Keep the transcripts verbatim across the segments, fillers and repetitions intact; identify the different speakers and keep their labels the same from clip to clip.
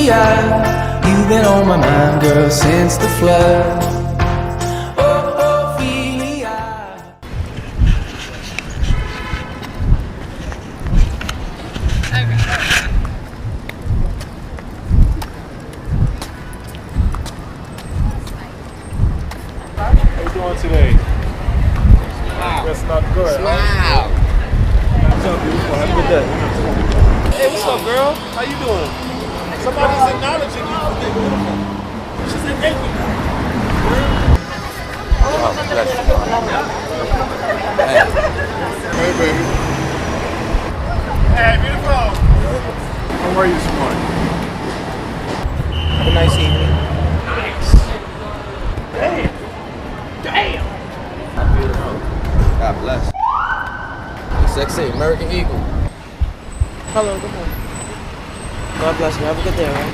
Speaker 1: Ophelia, you've been on my mind, girl, since the flood. Oh, Ophelia.
Speaker 2: How you doing today? Wow. That's not good.
Speaker 3: Wow.
Speaker 2: What's up, beautiful? Have a good day. Hey, what's up, girl? How you doing? Somebody's acknowledging you for being beautiful. She said thank you.
Speaker 3: Oh, bless you.
Speaker 2: Hey, baby. Hey, beautiful. How are you this morning?
Speaker 3: Have a nice evening.
Speaker 2: Nice. Damn. Damn.
Speaker 3: Beautiful. God bless. Sexy American Eagle.
Speaker 4: Hello, good morning. God bless you. Have a good day, all right?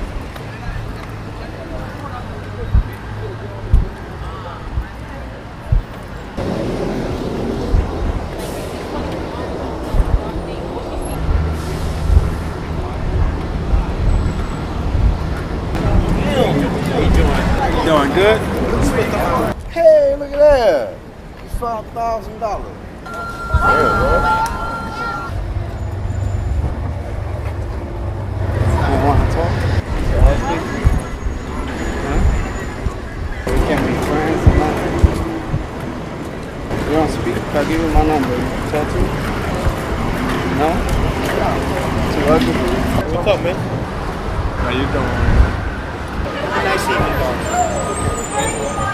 Speaker 2: How you doing? You doing good?
Speaker 5: Hey, look at that. It's five thousand dollars. You want to talk? Huh? We can't be friends or nothing. You don't speak? If I give you my number, you can talk to me? No? Too ugly for you?
Speaker 2: What's up, man? How you doing?
Speaker 5: Nice evening, dog.